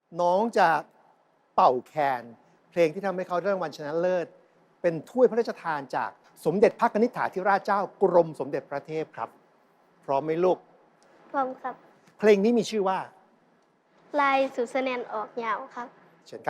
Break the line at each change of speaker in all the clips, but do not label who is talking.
น้องจะเป่าแคนเพลงที่ทำให้เขาได้รางวัลชนะเลิศ เป็นถ้วยพระราชทานจากสมเด็จพระนิธิถาธิราชเจ้ากรมสมเด็จพระเทพครับ พร้อมไหมลูก
พร้อมครับ
เพลงนี้มีชื่อว่า
ลายสุดแสนนออกยาวครับ
เชิญครับ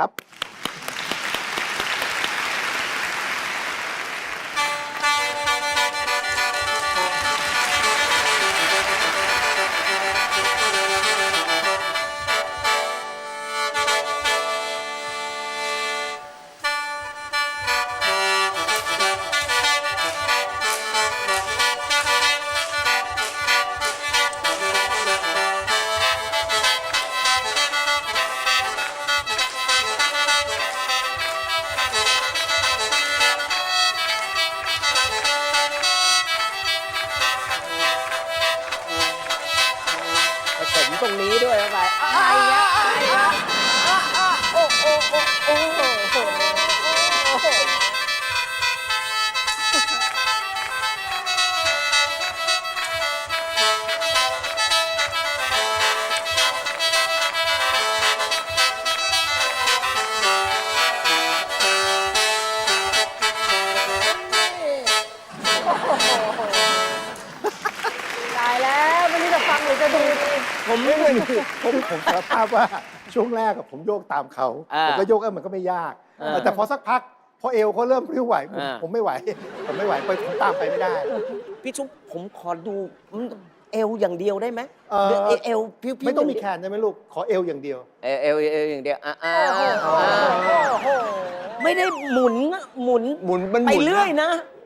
ผสมตรงนี้ด้วยเข้าไปอะไรเนี่ยโอ้โอ้โอ้โอ้โอ้โหตายแล้วไม่รู้จะฟังหรือจะดูดี
ผมสารภาพว่าช่วงแรกผมโยกตามเขา ผมก็โยกมันก็ไม่ยาก แต่พอสักพัก พอเอวเขาเริ่มพริ้วไหว ผมไม่ไหว ผมไม่ไหวผมตามไปไม่ได้
พี่ชุบผมขอดูเอวอย่างเดียวได้ไหมเอวพิ้วๆ
ไม่ต้องมีแคนใช่ไหมลูก ขอเอวอย่างเดียว
เอวอย่างเดียวไม่ได้หมุน
หมุนมันห
ไป
มุน
เรื่อยนะ